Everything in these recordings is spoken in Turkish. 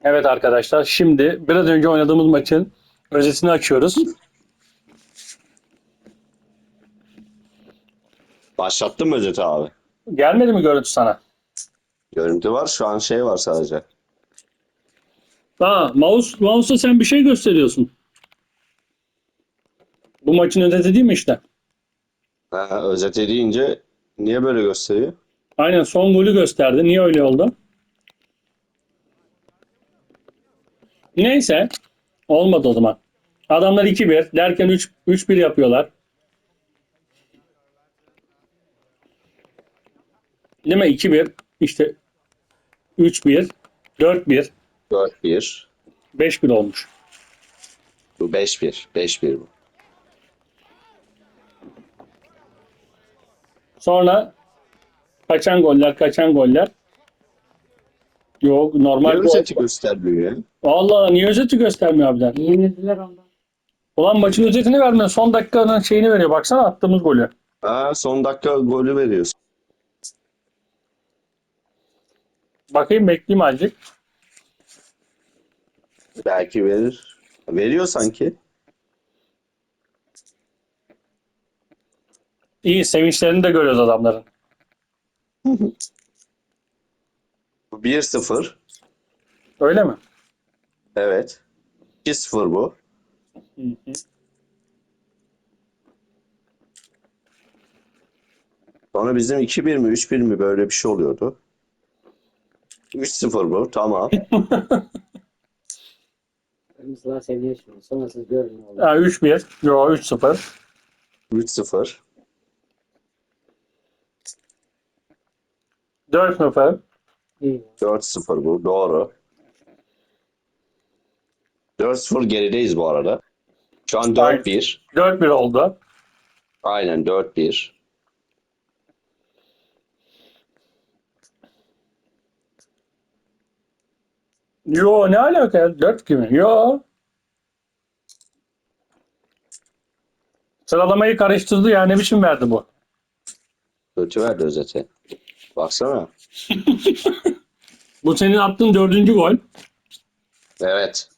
Evet arkadaşlar, şimdi biraz önce oynadığımız maçın özetini açıyoruz. Başlattın mı özeti abi? Gelmedi mi görüntü sana? Görüntü var. Şu an şey var sadece. Mouse'da sen bir şey gösteriyorsun. Bu maçın özeti değil mi işte? Özeti deyince niye böyle gösteriyor? Aynen, son golü gösterdi. Niye öyle oldu? Neyse, olmadı o zaman. Adamlar 2-1 derken 3-1 yapıyorlar. Değil mi? 2-1, işte 3-1, 4-1, 4-1. 5-1 olmuş. Bu 5-1. 5-1 bu. Sonra kaçan goller. Yok, Niye normal gol. özeti göstermiyor ya? Vallahi niye özeti göstermiyor abiler? Yenildiler ondan. Ulan maçın özetini vermiyor. Son dakikanın şeyini veriyor. Baksana attığımız golü. Son dakika golü veriyorsun. Bakayım, bekleyeyim azıcık. Belki verir. Veriyor sanki. İyi, sevinçlerini de görüyoruz adamların. Bu 1-0. Öyle mi? Evet. 2-0 bu. Hı hı. Sonra bizim 2-1 mi 3-1 mi böyle bir şey oluyordu. 3-0 bu. Tamam. Kırmızılar seviye şimdi. Sonrasız görün ne olur. Ha, 3-1. Yo, 3-0. 3-0. 4-0. İyi. 4-0 bu. Doğru. 4-0 gerideyiz bu arada. Şu an Aynen. 4-1. 4-1 oldu. Aynen 4-1. Yo, ne alaka ya? 4 kimi? Yo. Sıralamayı karıştırdı ya. Ne biçim verdi bu? Kötü verdi özeti. Baksana. Bu senin attığın 4. gol. Evet.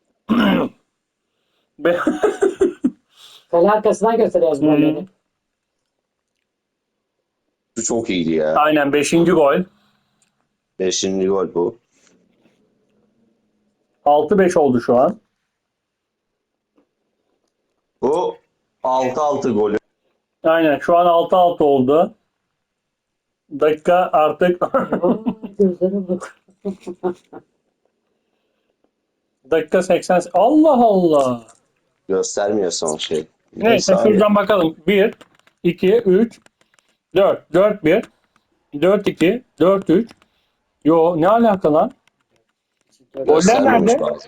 Be- Kale arkasından gösteriyoruz golleri. Bu çok iyiydi ya. Aynen, 5. gol. 5. gol bu. 6-5 oldu şu an. Bu 6-6 golü. Aynen, şu an 6-6 oldu. Dakika artık Aa, gözlerim bak. dakika 80. Allah Allah. Göstermiyor son şey. Neyse, Neyse abi. şuradan bakalım. 1, 2, 3, 4. 4-1, 4-2, 4-3. Yo, ne alaka lan? Goller Göstermemiş nerede? bazen.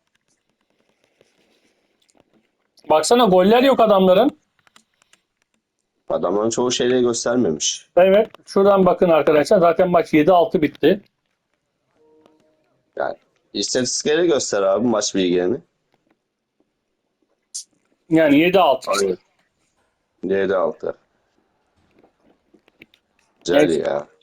Baksana, goller yok adamların. Adamların çoğu şeyleri göstermemiş. Evet, şuradan bakın arkadaşlar. Zaten maç 7-6 bitti. Yani istatistikleri göster abi maç bilgilerini. Yani 7-6. Aynen. 7-6. Güzel Neyse. ya.